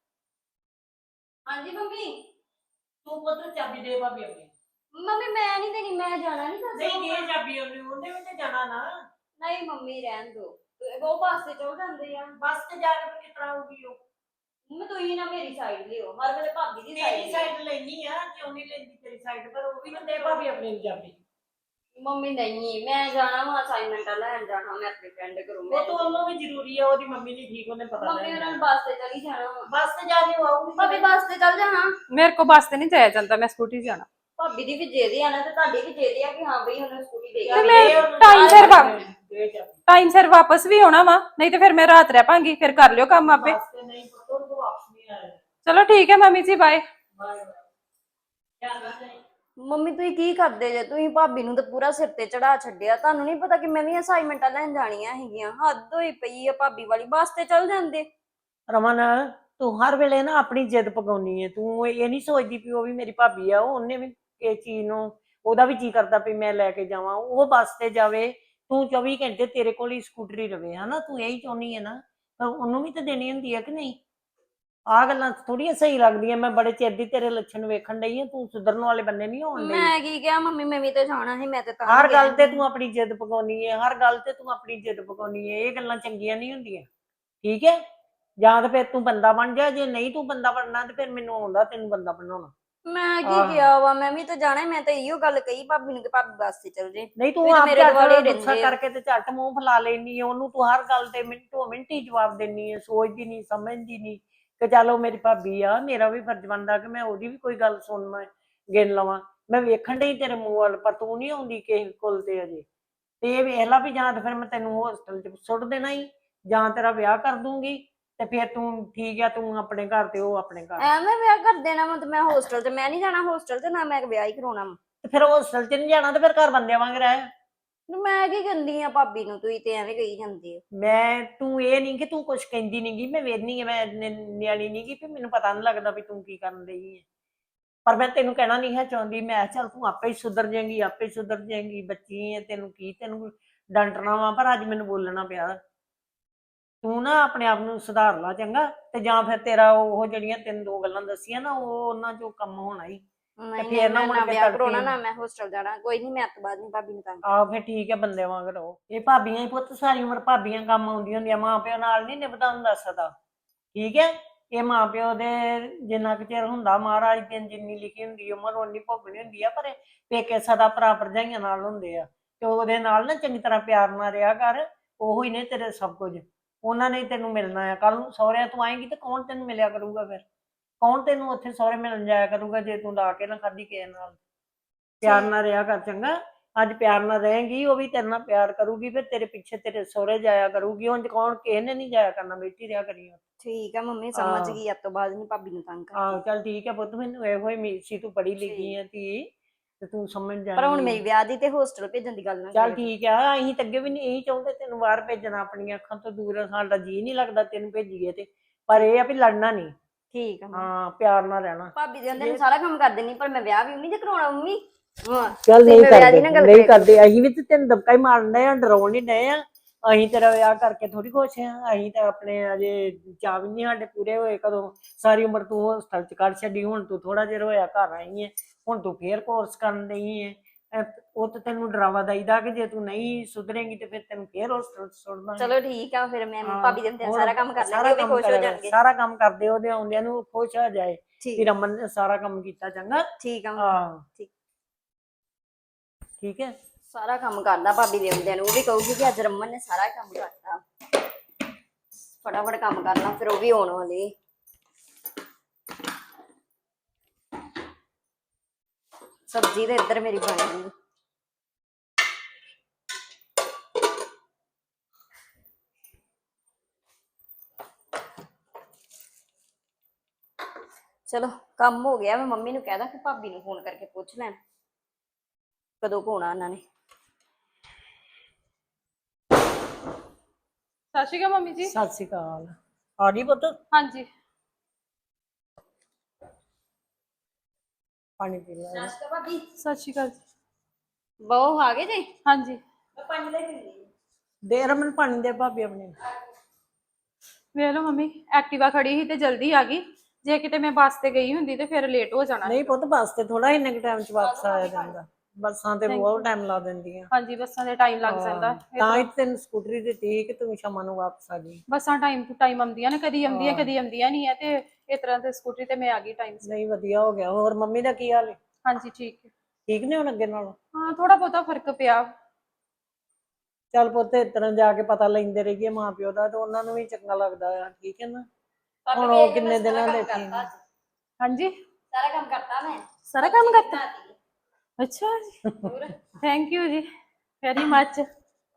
[SPEAKER 2] ਹਾਂਜੀ ਮੰਮੀ।
[SPEAKER 3] ਤੂੰ ਪੁੱਤ ਚਾਬੀ ਦੇ ਭਾਬੀ ਆਪਣੀ।
[SPEAKER 2] ਮੰਮੀ ਮੈਂ ਨਹੀਂ ਦੇਣੀ, ਮੈਂ ਜਾਣਾ ਨਹੀਂ।
[SPEAKER 3] ਨਹੀਂ ਦੇ ਚਾਬੀ ਉਹਨੇ ਵੀ ਤੇ ਜਾਣਾ ਨਾ।
[SPEAKER 2] ਨਹੀਂ ਮੰਮੀ ਰਹਿਣ ਦੋ, ਉਹ ਬੱਸ ਤੇ ਚਲ ਜਾਂਦੇ ਆ।
[SPEAKER 3] ਬੱਸ ਤੇ ਜਾ ਕੇ ਕਿਸ ਤਰ੍ਹਾਂ ਆਊਗੀ ਉਹ?
[SPEAKER 2] ਮੈਂ ਤੁਸੀਂ ਨਾ ਮੇਰੀ ਸਾਈਡ ਲਿਓ, ਹਰ ਵੇਲੇ ਭਾਬੀ ਦੀ
[SPEAKER 3] ਮੇਰੀ
[SPEAKER 2] ਸਾਈਡ।
[SPEAKER 3] ਸਾਈਡ ਲੈਣੀ ਆ, ਕਿਉਂ ਨਹੀਂ ਲੈਂਦੀ ਤੇਰੀ ਸਾਈਡ? ਪਰ ਉਹ ਵੀ ਨਾ ਦੇ ਭਾਬੀ ਆਪਣੀ ਨੂੰ ਚਾਬੀ।
[SPEAKER 2] ਮੰਮੀ ਨਹੀਂ, ਮੈਂ ਜਾਣਾ ਵਾ ਅਸਾਈਨਮੈਂਟਾਂ ਲੈਣ ਜਾਣਾ ਮੈਂ ਆਪਣੀ ਫਰੈਂਡ ਘਰੋਂ।
[SPEAKER 3] ਉਹ ਤਾਂ ਉਹਨੂੰ ਵੀ ਜ਼ਰੂਰੀ ਆ, ਉਹਦੀ ਮੰਮੀ ਨਹੀਂ ਠੀਕ, ਉਹਨੇ ਪਤਾ
[SPEAKER 2] ਮੰਮੀ ਉਹਨਾਂ ਨੂੰ ਬੱਸ ਤੇ ਚਲੀ ਜਾਣਾ ਵਾ।
[SPEAKER 3] ਬੱਸ ਤੇ ਜਾ ਕੇ ਆਊਗੀ।
[SPEAKER 2] ਭਾਬੀ ਬੱਸ ਤੇ ਚੱਲ ਜਾਣਾ।
[SPEAKER 1] ਮੇਰੇ ਕੋਲ ਬੱਸ ਤੇ ਨਹੀਂ ਜਾਇਆ ਜਾਂਦਾ, ਮੈਂ ਸਕੂਟੀ ਤੇ ਜਾਣਾ।
[SPEAKER 2] ਭਾਬੀ ਦੀ ਵੀ ਜਿਹਦੀ ਆ ਨਾ, ਤੇ ਤੁਹਾਡੀ ਵੀ ਜਿਹਦੀ ਆ ਕਿ ਹਾਂ ਬਈ ਉਹਨੂੰ ਸਕੂਟੀ ਦੇ
[SPEAKER 1] ਤੇ ਮੈਂ ਟਾਈਮ ਸਿਰ
[SPEAKER 3] ਦੇ ਚਾਬੀ
[SPEAKER 1] ਟਾਈਮ ਸਿਰ ਵਾਪਸ ਵੀ ਆਉਣਾ ਵਾ, ਨਹੀਂ ਤੇ ਫਿਰ ਮੈਂ ਰਾਤ ਰਹਿ ਪਾਂਗੀ, ਫਿਰ ਕਰ ਲਿਓ ਕੰਮ ਆਪੇ।
[SPEAKER 3] ਵਾਸਤੇ ਨਹੀਂ ਪੁੱਤ ਤੂੰ ਵਾਪਸ ਨਹੀਂ ਆਇਆ।
[SPEAKER 1] ਚਲੋ ਠੀਕ ਹੈ ਮੰਮੀ ਜੀ, ਬਾਏ।
[SPEAKER 3] Bye bye. ਧਿਆਨ ਨਾਲ ਜਾਈਂ।
[SPEAKER 2] ਮੰਮੀ ਤੁਸੀਂ ਕੀ ਕਰਦੇ ਜੇ? ਤੁਸੀਂ ਭਾਬੀ ਨੂੰ ਤਾਂ ਪੂਰਾ ਸਿਰ ਤੇ ਚੜਾ ਛੱਡਿਆ। ਤੁਹਾਨੂੰ ਨਹੀਂ ਪਤਾ ਕਿ ਮੈਂ ਵੀ ਅਸਾਈਨਮੈਂਟਾਂ ਲੈਣ ਜਾਣੀਆਂ ਹੈਗੀਆਂ। ਹੱਦ ਹੋਈ ਪਈ ਆ ਭਾਬੀ ਵਾਲੀ, ਬੱਸ ਤੇ ਚੱਲ ਜਾਂਦੇ।
[SPEAKER 3] ਰਮਨ ਤੂੰ ਹਰ ਵੇਲੇ ਨਾ ਆਪਣੀ ਜਿੱਦ ਪਗਾਉਣੀ ਹੈ। ਤੂੰ ਇਹ ਨਹੀਂ ਸੋਚਦੀ ਵੀ ਉਹ ਵੀ ਮੇਰੀ ਭਾਬੀ ਆ, ਉਹਨੇ ਵੀ ਇਹ ਚੀਜ਼ ਨੂੰ, ਉਹਦਾ ਵੀ ਜੀ ਕਰਦਾ ਵੀ ਮੈਂ ਲੈ ਕੇ ਜਾਵਾਂ, ਉਹ ਬੱਸ ਤੇ ਜਾਵੇ, ਤੂੰ 24 ਘੰਟੇ ਤੇਰੇ ਕੋਲ ਹੀ ਸਕੂਟਰੀ ਰਵੇ, ਹਨਾ? ਤੂੰ ਇਹੀ ਚਾਹੁੰਦੀ ਹੈ ਨਾ, ਪਰ ਉਹਨੂੰ ਵੀ ਤਾਂ ਦੇਣੀ ਹੁੰਦੀ ਹੈ ਕਿ ਨਹੀਂ? ਆਹ ਗੱਲਾਂ ਥੋੜੀਆਂ ਸਹੀ ਲੱਗਦੀਆਂ। ਮੈਂ ਬੜੇ ਚਿਰ ਦੀ ਤੇਰੇ ਲੱਛਣ ਵੇਖਣ ਡਈ ਆ, ਤੂੰ ਸੁਧਰਨ ਵਾਲੇ ਬੰਨੇ ਨਹੀਂ ਹੋਣ ਡਈ।
[SPEAKER 2] ਮੈਂ ਕੀ ਕਿਹਾ ਮੰਮੀ, ਮੈਂ ਵੀ ਤੇ ਜਾਣਾ ਸੀ, ਮੈਂ ਤੇ ਤਾਂ
[SPEAKER 3] ਹਰ ਗੱਲ ਤੇ
[SPEAKER 2] ਗਈ।
[SPEAKER 3] ਤੂੰ ਆਪਣੀ ਜਿੱਦ ਪਗਾਉਣੀ ਹੈ, ਹਰ ਗੱਲ ਤੇ ਤੂੰ ਆਪਣੀ ਜਿੱਦ ਪਗਾਉਣੀ ਹੈ। ਇਹ ਗੱਲਾਂ ਚੰਗੀਆਂ ਨਹੀਂ ਹੁੰਦੀਆਂ, ਠੀਕ ਹੈ? ਜਾਂ ਤਾਂ ਫਿਰ ਤੂੰ ਬੰਦਾ ਬਣ ਜਾ, ਜੇ ਨਹੀਂ ਤੂੰ ਬੰਦਾ ਬਣਨਾ ਤੇ ਫਿਰ ਮੈਨੂੰ ਆਉਂਦਾ ਤੈਨੂੰ ਬੰਦਾ ਬਣਾਉਣਾ।
[SPEAKER 2] ਮੈਂ ਕੀ
[SPEAKER 3] ਆਹ।
[SPEAKER 2] ਕਿਹਾ ਵਾ? ਮੈਂ ਵੀ ਤਾਂ ਜਾਣਾ, ਮੈਂ ਤਾਂ ਇਹੋ ਗੱਲ ਕਹੀ ਭਾਬੀ ਨੂੰ ਕਿ ਭਾਬੀ ਬੱਸ ਤੇ ਚੱਲ ਜੇ।
[SPEAKER 3] ਨਹੀਂ ਤੂੰ
[SPEAKER 2] ਵੀ ਤਾਂ
[SPEAKER 3] ਆਪ
[SPEAKER 2] ਮੇਰੇ
[SPEAKER 3] ਝੱਟ
[SPEAKER 2] ਦੁਆਲੇ ਹੀ
[SPEAKER 3] ਗੁੱਸਾ
[SPEAKER 2] ਰਹਿੰਦੇ ਆ।
[SPEAKER 3] ਕਰਕੇ ਤੇ ਝੱਟ ਮੂੰਹ ਫੁਲਾ ਲੈਣੀ ਹੈ, ਉਹਨੂੰ ਤੂੰ ਹਰ ਗੱਲ ਤੇ ਮਿੰਟੋ ਮਿੰਟ ਹੀ ਜਵਾਬ ਦੇਣੀ ਹੈ, ਸੋਚਦੀ ਨਹੀਂ, ਸਮਝਦੀ ਨਹੀਂ ਕਿ ਚੱਲ ਉਹ ਮੇਰੀ ਭਾਬੀ ਆ, ਮੇਰਾ ਵੀ ਫਰਜ਼ ਬਣਦਾ ਕਿ ਮੈਂ ਉਹਦੀ ਵੀ ਕੋਈ ਗੱਲ ਸੁਣ ਗਿਣ ਲਵਾਂ। ਮੈਂ ਵੇਖਣ ਡਈ ਤੇਰੇ ਮੂੰਹ ਵੱਲ, ਪਰ ਤੂੰ ਨਹੀਂ ਆਉਂਦੀ ਕਿਸੇ ਕੋਲ ਤੇ ਅਜੇ। ਤੇ ਇਹ ਵੇਖ ਲਾ ਵੀ ਜਾਂ ਤਾਂ ਫਿਰ ਮੈਂ ਤੈਨੂੰ ਹੋਸਟਲ 'ਚ ਸੁੱਟ ਦੇਣਾ ਹੀ, ਜਾਂ ਤੇਰਾ ਵਿਆਹ ਕਰ ਦੂੰਗੀ, ਤੇ ਫਿਰ ਤੂੰ ਠੀਕ ਆ, ਤੂੰ ਆਪਣੇ ਘਰ ਤੇ ਉਹ ਆਪਣੇ ਘਰ।
[SPEAKER 2] ਐਵੇਂ ਵਿਆਹ ਕਰ ਦੇਣਾ ਵਾ ਤੇ ਮੈਂ ਹੋਸਟਲ 'ਚ, ਮੈਂ ਨਹੀਂ ਜਾਣਾ ਹੋਸਟਲ 'ਚ, ਨਾ ਮੈਂ ਵਿਆਹ ਹੀ ਕਰਾਉਣਾ ਵਾ।
[SPEAKER 3] ਤੇ ਫਿਰ ਹੋਸਟਲ 'ਚ ਨਹੀਂ ਜਾਣਾ ਤੇ ਫਿਰ ਘਰ ਬੰਦਿਆਂ ਵਾਂਗ ਰਹਿ।
[SPEAKER 2] ਮੈਂ ਕੀ ਕਹਿੰਦੀ ਆ ਭਾਬੀ ਨੂੰ? ਤੁਸੀਂ ਤੇ ਐਵੇਂ ਕਹੀ ਜਾਂਦੇ ਹੋ।
[SPEAKER 3] ਮੈਂ ਤੂੰ ਇਹ ਨਹੀਂ ਕਿ ਤੂੰ ਕੁਛ ਕਹਿੰਦੀ ਨੀ ਗੀ, ਮੈਂ ਵੇਖਦੀ ਆ, ਮੈਂ ਨਿਆਣੀ ਨੀ ਗੀ ਵੀ ਮੈਨੂੰ ਪਤਾ ਨੀ ਲੱਗਦਾ ਵੀ ਤੂੰ ਕੀ ਕਰਨ ਰਹੀ ਹੈ। ਪਰ ਮੈਂ ਤੈਨੂੰ ਕਹਿਣਾ ਨਹੀਂ ਹੈ ਚਾਹੁੰਦੀ, ਮੈਂ ਚੱਲ ਤੂੰ ਆਪੇ ਹੀ ਸੁਧਰ ਜਾਏਂਗੀ, ਆਪੇ ਹੀ ਸੁਧਰ ਜਾਏਂਗੀ, ਬੱਚੀ ਹੈ, ਤੈਨੂੰ ਕੀ, ਤੈਨੂੰ ਡਾਂਟਣਾ ਵਾ, ਪਰ ਅੱਜ ਮੈਨੂੰ ਬੋਲਣਾ ਪਿਆ। ਤੂੰ ਨਾ ਆਪਣੇ ਆਪ ਨੂੰ ਸੁਧਾਰ ਲਾ ਚੰਗਾ, ਤੇ ਜਾਂ ਫਿਰ ਤੇਰਾ ਉਹ ਜਿਹੜੀਆਂ ਤੈਨੂੰ ਦੋ ਗੱਲਾਂ ਦੱਸੀਆਂ ਨਾ, ਉਹ ਉਹਨਾਂ ਚੋਂ ਕੰਮ ਹੋਣਾ ਹੀ। ਤੇ
[SPEAKER 2] ਨਹੀਂ
[SPEAKER 3] ਫੇਰ ਨਾ
[SPEAKER 2] ਮੈਂ
[SPEAKER 3] ਮੁੜ
[SPEAKER 2] ਨਾ
[SPEAKER 3] ਕੇ
[SPEAKER 2] ਵਿਆਹ ਕਰਾਉਣਾ,
[SPEAKER 3] ਤੜਕੇ
[SPEAKER 2] ਨਾ ਮੈਂ ਹੋਸਟਲ ਜਾਣਾ। ਕੋਈ ਨਹੀਂ, ਮੈਂ ਅੱਜ ਤੋਂ ਬਾਅਦ ਨਹੀਂ ਭਾਬੀ ਨੂੰ ਤੰਗ
[SPEAKER 3] ਆਹੋ ਫਿਰ ਠੀਕ ਹੈ, ਬੰਦੇ ਵਾਂਗ ਰਹੋ। ਇਹ ਭਾਬੀਆਂ ਹੀ ਪੁੱਤ ਸਾਰੀ ਉਮਰ ਭਾਬੀਆਂ ਕੰਮ ਆਉਂਦੀਆਂ ਹੁੰਦੀਆਂ, ਮਾਂ ਪਿਓ ਨਾਲ ਨਹੀਂ ਨਿਭਦਾ ਹੁੰਦਾ ਸਦਾ, ਠੀਕ ਹੈ? ਇਹ ਮਾਂ ਪਿਓ ਦੇ ਜਿੰਨਾ ਕੁ ਚਿਰ ਹੁੰਦਾ, ਮਹਾਰਾਜ ਦੀ ਜਿੰਨੀ ਲਿਖੀ ਹੁੰਦੀ ਉਮਰ ਓਨੀ ਭੋਗਣੀ ਹੁੰਦੀ ਆ, ਪਰ ਪੇਕੇ ਸਦਾ ਭਰਾ ਭਰਜਾਈਆਂ ਨਾਲ ਹੁੰਦੇ ਆ, ਤੇ ਉਹਦੇ ਨਾਲ ਨਾ ਚੰਗੀ ਤਰ੍ਹਾਂ ਪਿਆਰ ਨਾਲ ਰਿਹਾ ਕਰ। ਉਹੋ ਹੀ ਨੇ ਤੇਰੇ ਸਭ ਕੁਝ, ਉਹਨਾਂ ਨੇ ਤੈਨੂੰ ਮਿਲਣਾ ਆ। ਕੱਲ ਨੂੰ ਸਹੁਰਿਆਂ ਤੂੰ ਆਏਂਗੀ ਤੇ ਕੌਣ ਤੈਨੂੰ ਮਿਲਿਆ ਕਰੂਗਾ? ਫਿਰ ਕੌਣ ਤੈਨੂੰ ਉੱਥੇ ਸਹੁਰੇ ਮਿਲਣ ਜਾਇਆ ਕਰੂਗਾ ਜੇ ਤੂੰ ਲਾ ਕੇ ਨਾ ਖਾਧੀ ਕਿਸੇ ਨਾਲ? ਪਿਆਰ ਨਾਲ ਰਿਹਾ ਕਰ ਚੰਗਾ। ਅੱਜ ਪਿਆਰ ਨਾਲ ਰਹੇਂਗੀ, ਉਹ ਵੀ ਤੇਰੇ ਨਾਲ ਪਿਆਰ ਕਰੂਗੀ, ਫਿਰ ਤੇਰੇ ਪਿੱਛੇ ਤੇਰੇ ਸਹੁਰੇ ਜਾਇਆ ਕਰੂਗੀ। ਉਂਝ ਕੌਣ, ਕਿਸੇ ਨੇ ਨਹੀਂ ਜਾਇਆ ਕਰਨਾ, ਬੈਠੀ ਰਿਹਾ ਕਰੀ।
[SPEAKER 2] ਠੀਕ ਆ ਮੰਮੀ, ਸਮਝ ਗਈ। ਅੱਜ ਤੋਂ ਬਾਅਦ ਨਹੀਂ ਭਾਬੀ ਨੂੰ ਤੰਗ ਕਰਦੀ।
[SPEAKER 3] ਆਹੋ ਚੱਲ ਠੀਕ ਹੈ ਪੁੱਤ, ਮੈਨੂੰ ਇਹੋ ਹੀ ਉਮੀਦ ਸੀ, ਤੂੰ ਪੜ੍ਹੀ ਲਿਖੀ ਆ ਧੀ, ਤੇ ਤੂੰ ਸਮਝ
[SPEAKER 2] ਪਰ ਹੁਣ
[SPEAKER 3] ਜਾਏਂਗੀ।
[SPEAKER 2] ਮੇਰੀ ਵਿਆਹ ਦੀ ਤੇ ਹੋਸਟਲ ਭੇਜਣ ਦੀ ਗੱਲ ਨਾ
[SPEAKER 3] ਚੱਲ
[SPEAKER 2] ਕਰਿਓ।
[SPEAKER 3] ਠੀਕ ਆ, ਅਸੀਂ ਤਾਂ ਅੱਗੇ ਵੀ ਨਹੀਂ ਇਹੀ ਚਾਹੁੰਦੇ ਤੈਨੂੰ ਬਾਹਰ ਭੇਜਣਾ, ਆਪਣੀਆਂ ਅੱਖਾਂ ਤੋਂ ਦੂਰ। ਸਾਡਾ ਜੀ ਨਹੀਂ ਲੱਗਦਾ ਤੈਨੂੰ ਭੇਜੀਏ ਤੇ, ਪਰ ਇਹ ਆ ਵੀ ਲੜਨਾ ਨਹੀਂ,
[SPEAKER 2] ਠੀਕ ਆ ਮੰਮੀ।
[SPEAKER 3] ਹਾਂ ਪਿਆਰ ਨਾਲ ਰਹਿਣਾ।
[SPEAKER 2] ਭਾਬੀ ਦੇ ਅੰਦਰ ਸਾਰਾ ਕੰਮ ਕਰ ਦੇਣੀ, ਪਰ ਮੈਂ ਵਿਆਹ ਵੀ ਨਹੀਂ ਜੇ ਕਰਾਉਣਾ ਮੰਮੀ।
[SPEAKER 3] ਚੱਲ
[SPEAKER 2] ਤੇ
[SPEAKER 3] ਨਹੀਂ
[SPEAKER 2] ਮੈਂ ਵਿਆਹ ਦੀ
[SPEAKER 3] ਕਰਦੇ,
[SPEAKER 2] ਨਾ ਗੱਲ
[SPEAKER 3] ਨਹੀਂ
[SPEAKER 2] ਕਰਿਆ
[SPEAKER 3] ਕਰਦੇ, ਅਸੀਂ ਵੀ ਤੇ ਤੈਨੂੰ ਦਬਕਾ ਹੀ ਮਾਰਨ ਡਏ ਆ, ਡਰਾਉਣ ਨਹੀਂ ਡਏ ਆ। ਅਸੀਂ ਤੇਰਾ ਵਿਆਹ ਕਰਕੇ ਥੋੜੀ ਖੁਸ਼ ਆ, ਅਸੀਂ ਤਾਂ ਆਪਣੇ ਅਜੇ ਚਾਅ ਵੀ ਨਹੀਂ ਸਾਡੇ ਪੂਰੇ ਹੋਏ। ਕਦੋਂ ਸਾਰੀ ਉਮਰ ਤੂੰ ਹੋਸਟਲ ਚ ਕੱਢ ਛੱਡੀ, ਹੁਣ ਤੂੰ ਥੋੜਾ ਜਿਹਾ ਹੋਇਆ ਘਰ ਆਈ ਹੈ, ਹੁਣ ਤੂੰ ਫੇਰ ਕੋਰਸ ਕਰਨ ਡਈ ਹੈ। ਉਹ ਤਾਂ ਤੈਨੂੰ ਡਰਾਵਾ ਦਈਦਾ ਕਿ ਜੇ ਤੂੰ ਨਹੀਂ ਸੁਧਰੇਂਗੀ ਤੇ ਫਿਰ ਤੈਨੂੰ ਫੇਰ ਹੋਸਟਲ ਚ ਸੁੱਟ ਦਾਂਗੇ।
[SPEAKER 2] ਚਲੋ ਠੀਕ ਆ, ਫਿਰ ਮੈਂ
[SPEAKER 3] ਹਾਂ,
[SPEAKER 2] ਭਾਬੀ ਦੇ ਅੰਦਰ
[SPEAKER 3] ਹੋਰ
[SPEAKER 2] ਸਾਰਾ ਕੰਮ ਕਰ
[SPEAKER 3] ਸਾਰਾ
[SPEAKER 2] ਲੈਂਦੀ, ਉਹ ਵੀ
[SPEAKER 3] ਕੰਮ
[SPEAKER 2] ਖੁਸ਼ ਹੋ
[SPEAKER 3] ਕਰਿਆ ਕਰ,
[SPEAKER 2] ਜਾਣਗੇ।
[SPEAKER 3] ਸਾਰਾ ਕੰਮ ਕਰਦੇ ਉਹਦੇ ਆਉਂਦਿਆਂ ਨੂੰ ਖੁਸ਼ ਹੋ ਜਾਏ ਕਿ
[SPEAKER 2] ਠੀਕ
[SPEAKER 3] ਰਮਨ ਨੇ ਸਾਰਾ ਕੰਮ ਕੀਤਾ। ਚੰਗਾ,
[SPEAKER 2] ਠੀਕ ਆ ਮੰਮੀ,
[SPEAKER 3] ਹਾਂ
[SPEAKER 2] ਠੀਕ।
[SPEAKER 3] ਠੀਕ ਹੈ।
[SPEAKER 2] ਸਾਰਾ ਕੰਮ ਕਰਦਾ ਭਾਬੀ ਦੇ ਹੁੰਦਿਆਂ ਨੂੰ, ਉਹ ਵੀ ਕਹੂਗੀ ਕਿ ਅੱਜ ਰਮਨ ਨੇ ਸਾਰਾ ਕੰਮ ਕਰਤਾ। ਫਟਾਫਟ ਕੰਮ ਕਰ ਲਾਂ, ਫਿਰ ਉਹ ਵੀ ਆਉਣ ਵਾਲੇ। ਸਬਜ਼ੀ ਤੇ ਇੱਧਰ ਮੇਰੀ ਬਣ ਗਈ। ਚਲੋ ਕੰਮ ਹੋ ਗਿਆ। ਮੈਂ ਮੰਮੀ ਨੂੰ ਕਹਿਦਾ ਕਿ ਭਾਬੀ ਨੂੰ ਫੋਨ ਕਰਕੇ ਪੁੱਛ ਲੈਣ ਕਦੋਂ ਕੁ ਆਉਣਾ ਉਹਨਾਂ ਨੇ।
[SPEAKER 1] ਸਤਿ ਸ਼੍ਰੀ ਅਕਾਲ ਮੰਮੀ ਜੀ।
[SPEAKER 3] ਸਤਿ ਸ਼੍ਰੀ ਅਕਾਲ। ਆ ਗਈ ਪੁੱਤ?
[SPEAKER 1] ਹਾਂਜੀ।
[SPEAKER 3] ਪਾਣੀ ਪੀ ਲੈ।
[SPEAKER 2] ਭਾਬੀ
[SPEAKER 1] ਸਤਿ ਸ਼੍ਰੀ ਅਕਾਲ ਜੀ।
[SPEAKER 2] ਬਹੁ ਆ ਗਏ ਜੀ?
[SPEAKER 1] ਹਾਂਜੀ।
[SPEAKER 2] ਪਾਣੀ ਲੈ ਕੇ
[SPEAKER 3] ਦੇ ਰਮਨ ਪਾਣੀ ਦੇ ਭਾਬੀ ਆਪਣੇ।
[SPEAKER 1] ਵੇਖ ਲਓ ਮੰਮੀ, ਐਕਟਿਵਾ ਖੜੀ ਸੀ ਤੇ ਜਲਦੀ ਆ ਗਈ। ਜੇ ਕਿਤੇ ਮੈਂ ਬੱਸ ਤੇ ਗਈ ਹੁੰਦੀ ਤੇ ਫਿਰ ਲੇਟ ਹੋ ਜਾਣਾ
[SPEAKER 3] ਨਹੀਂ
[SPEAKER 1] ਸੀਗਾ।
[SPEAKER 3] ਪੁੱਤ, ਬੱਸ ਤੇ ਥੋੜਾ ਇੰਨੇ ਕੁ ਟਾਈਮ ਚ ਵਾਪਸ ਆਇਆ ਜਾਂਦਾ, ਬੱਸਾਂ ਤੇ
[SPEAKER 1] Thank
[SPEAKER 3] ਬਹੁਤ
[SPEAKER 1] you।
[SPEAKER 3] ਟਾਈਮ ਲਾ ਦਿੰਦੀਆਂ।
[SPEAKER 1] ਹਾਂਜੀ, ਬੱਸਾਂ ਦੇ ਟਾਈਮ ਲੱਗ ਜਾਂਦਾ।
[SPEAKER 3] ਤਾਂ ਹੀ ਤੈਨੂੰ ਸਕੂਟਰੀ ਦਿੱਤੀ ਕਿ ਤੂੰ ਸ਼ਾਮਾਂ ਨੂੰ ਵਾਪਸ ਆ ਜਾਈਂ।
[SPEAKER 1] ਬੱਸਾਂ ਟਾਈਮ ਟੂ ਟਾਈਮ ਆਉਂਦੀਆਂ ਨੇ, ਕਦੀ ਆਉਂਦੀਆਂ ਕਦੀ ਆਉਂਦੀਆਂ ਨਹੀਂ ਆ, ਤੇ ਇਸ ਤਰ੍ਹਾਂ ਤੇ ਸਕੂਟਰੀ ਤੇ ਮੈਂ ਆ ਗਈ ਟਾਈਮ ਸਿਰ।
[SPEAKER 3] ਨਹੀਂ ਵਧੀਆ ਹੋ ਗਿਆ। ਹੋਰ ਮੰਮੀ ਦਾ ਕੀ ਹਾਲ ਹੈ?
[SPEAKER 1] ਹਾਂਜੀ ਠੀਕ ਹੈ।
[SPEAKER 3] ਠੀਕ ਨੇ ਹੁਣ ਅੱਗੇ ਨਾਲੋਂ?
[SPEAKER 1] ਹਾਂ, ਥੋੜਾ ਬਹੁਤਾ ਫਰਕ ਪਿਆ।
[SPEAKER 3] ਚੱਲ ਪੁੱਤ, ਇਸ ਤਰ੍ਹਾਂ ਜਾ ਕੇ ਪਤਾ ਲੈਂਦੇ ਰਹੀਏ ਮਾਂ ਪਿਓ ਦਾ, ਤੇ ਉਹਨਾਂ ਨੂੰ ਵੀ ਚੰਗਾ ਲੱਗਦਾ ਆ, ਠੀਕ ਹੈ ਨਾ? ਹੁਣ ਉਹ ਕਿੰਨੇ ਦਿਨਾਂ ਦੇ ਠੀਕ।
[SPEAKER 1] ਹਾਂਜੀ,
[SPEAKER 2] ਸਾਰਾ ਕੰਮ ਕਰਤਾ ਮੈਂ।
[SPEAKER 1] ਸਾਰਾ ਕੰਮ ਕਰਤਾ? ਅੱਛਾ ਜੀ, ਥੈਂਕ ਯੂ ਜੀ, ਵੈਰੀ ਮੱਚ।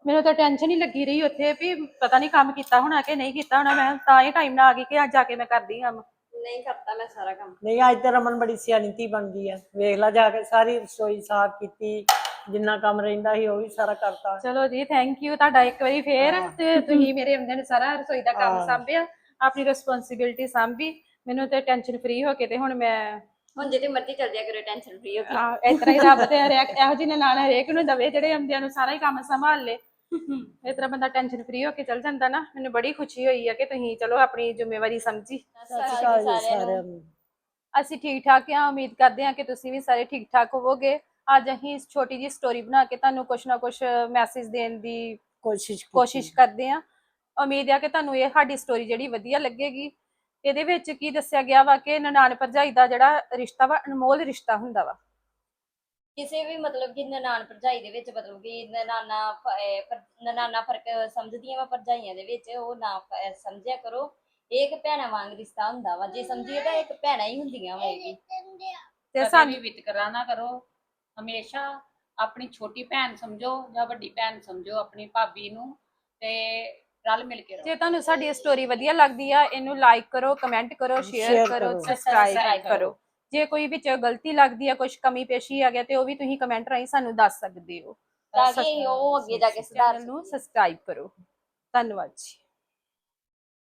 [SPEAKER 1] ਮੈਨੂੰ ਤਾਂ ਟੈਨਸ਼ਨ ਹੀ ਲੱਗੀ ਰਹੀ ਉੱਥੇ ਵੀ ਪਤਾ ਨਹੀਂ ਕੰਮ ਕੀਤਾ ਹੋਣਾ ਕਿ ਨਹੀਂ ਕੀਤਾ ਹੋਣਾ। ਮੈਂ ਤਾਂ ਹੀ ਟਾਈਮ ਨਾਲ ਆ ਗਈ ਕਿ ਅੱਜ ਜਾ ਕੇ ਮੈਂ ਕਰਦੀ ਕੰਮ।
[SPEAKER 2] ਨਹੀਂ ਕਰਤਾ ਮੈਂ ਸਾਰਾ ਕੰਮ।
[SPEAKER 3] ਨਹੀਂ ਅੱਜ ਤੇ ਰਮਨ ਬੜੀ ਸਿਆਣੀ ਧੀ ਬਣ ਗਈ ਆ, ਵੇਖ ਲਾ ਜਾ ਕੇ ਸਾਰੀ ਰਸੋਈ ਸਾਫ਼ ਕੀਤੀ, ਜਿੰਨਾ ਕੰਮ ਰਹਿੰਦਾ ਸੀ ਉਹ ਵੀ ਸਾਰਾ ਕਰਤਾ।
[SPEAKER 1] ਚਲੋ ਜੀ ਥੈਂਕ ਯੂ ਤੁਹਾਡਾ ਇੱਕ ਵਾਰੀ ਫੇਰ। ਤੇ ਤੁਸੀਂ ਮੇਰੇ ਆਉਂਦੇ ਨੇ ਸਾਰਾ ਰਸੋਈ ਦਾ ਕੰਮ
[SPEAKER 3] ਹਾਂ।
[SPEAKER 1] ਸਾਂਭਿਆ, ਆਪਣੀ ਰਿਸਪੌਂਸਿਬਿਲਟੀ ਸਾਂਭੀ। ਮੈਨੂੰ ਤੇ ਟੈਨਸ਼ਨ ਫ੍ਰੀ ਹੋ ਕੇ ਤੇ ਹੁਣ ਮੈਂ
[SPEAKER 2] ਹੁਣ ਜਿਹਦੀ ਮਰਜ਼ੀ ਚੱਲ ਜਾਇਆ ਕਰੋ, ਟੈਨਸ਼ਨ ਫ੍ਰੀ ਹੋ ਕੇ।
[SPEAKER 1] ਇਸ ਤਰ੍ਹਾਂ ਹੀ ਰੱਬ ਤੇ ਹਰੇਕ ਇਹੋ ਜਿਹੇ ਨਨਾਣ ਹਰੇਕ ਨੂੰ ਦਵੇ ਜਿਹੜੇ ਆਉਂਦਿਆਂ ਨੂੰ ਸਾਰਾ ਹੀ ਕੰਮ ਸੰਭਾਲ ਲੇ। ਇਸ ਤਰ੍ਹਾਂ ਬੰਦਾ ਟੈਨਸ਼ਨ ਫ੍ਰੀ ਹੋ ਕੇ ਚੱਲ ਜਾਂਦਾ ਨਾ। ਮੈਨੂੰ ਬੜੀ ਖੁਸ਼ੀ ਹੋਈ ਹੈ ਕਿ ਤੁਸੀਂ ਚਲੋ ਆਪਣੀ ਜ਼ਿੰਮੇਵਾਰੀ ਸਮਝੀ।
[SPEAKER 3] ਸਤਿ ਸ਼੍ਰੀ ਅਕਾਲ ਜੀ ਸਾਰਿਆਂ ਨੂੰ।
[SPEAKER 1] ਅਸੀਂ ਠੀਕ ਠਾਕ ਹਾਂ, ਉਮੀਦ ਕਰਦੇ ਹਾਂ ਕਿ ਤੁਸੀਂ ਵੀ ਸਾਰੇ ਠੀਕ ਠਾਕ ਹੋਵੋਗੇ। ਅੱਜ ਅਸੀਂ ਇਸ ਛੋਟੀ ਜਿਹੀ ਸਟੋਰੀ ਬਣਾ ਕੇ ਤੁਹਾਨੂੰ ਕੁਛ ਨਾ ਕੁਛ ਮੈਸੇਜ ਦੇਣ ਦੀ ਕੋਸ਼ਿਸ਼ ਕਰਦੇ ਹਾਂ। ਉਮੀਦ ਹੈ ਕਿ ਤੁਹਾਨੂੰ ਇਹ ਸਾਡੀ ਸਟੋਰੀ ਜਿਹੜੀ ਵਧੀਆ ਲੱਗੇਗੀ। ਇਹਦੇ ਵਿੱਚ ਕੀ ਦੱਸਿਆ ਗਿਆ ਵਾ ਕਿ ਨਨਾਣ ਭਰਜਾਈ ਦਾ ਜਿਹੜਾ ਰਿਸ਼ਤਾ ਵਾ ਅਨਮੋਲ ਰਿਸ਼ਤਾ ਹੁੰਦਾ ਵਾ।
[SPEAKER 2] ਕਿਸੇ ਵੀ ਮਤਲਬ ਕਿ ਨਨਾਣ ਭਰਜਾਈ ਦੇ ਵਿੱਚ ਮਤਲਬ ਕਿ ਨਨਾਣਾ ਫਰਕ ਸਮਝਦੀਆਂ ਵਾ ਭਰਜਾਈਆਂ ਦੇ ਵਿੱਚ, ਉਹ ਨਾ ਸਮਝਿਆ ਕਰੋ। ਇਹ ਇੱਕ ਭੈਣਾਂ ਵਾਂਗ ਰਿਸ਼ਤਾ ਹੁੰਦਾ ਵਾ, ਜੇ ਸਮਝੀਏ ਤਾਂ ਇੱਕ ਭੈਣਾਂ ਹੀ ਹੁੰਦੀਆਂ ਵਾ ਇਹ ਵੀ।
[SPEAKER 1] ਤੇ
[SPEAKER 4] ਸਾਨੂੰ ਵਿਤਕਰਾ ਨਾ ਕਰੋ, ਹਮੇਸ਼ਾ ਆਪਣੀ ਛੋਟੀ ਭੈਣ ਸਮਝੋ ਜਾਂ ਵੱਡੀ ਭੈਣ ਸਮਝੋ ਆਪਣੀ ਭਾਬੀ ਨੂੰ, ਤੇ ਰਲ ਮਿਲ ਕੇ ਰਹੋ।
[SPEAKER 1] ਜੇ ਤੁਹਾਨੂੰ ਸਾਡੀ ਸਟੋਰੀ ਵਧੀਆ ਲੱਗਦੀ ਆ, ਇਹਨੂੰ ਲਾਈਕ ਕਰੋ, ਕਮੈਂਟ ਕਰੋ, ਸ਼ੇਅਰ ਕਰੋ, ਸਬਸਕ੍ਰਾਈਬ ਕਰੋ। ਜੇ ਕੋਈ ਵਿੱਚ ਗਲਤੀ ਲੱਗਦੀ ਆ, ਕੁਝ ਕਮੀ ਪੇਸ਼ੀ ਆ ਗਿਆ ਤੇ ਉਹ ਵੀ ਤੁਸੀਂ ਕਮੈਂਟ ਰਾਹੀਂ ਸਾਨੂੰ ਦੱਸ ਸਕਦੇ ਹੋ।
[SPEAKER 2] ਤਾਂ ਕਿ ਉਹ ਅੱਗੇ ਜਾ ਕੇ ਸੁਧਾਰ
[SPEAKER 1] ਚੈਨਲ ਨੂੰ ਸਬਸਕ੍ਰਾਈਬ ਕਰੋ। ਧੰਨਵਾਦ ਜੀ।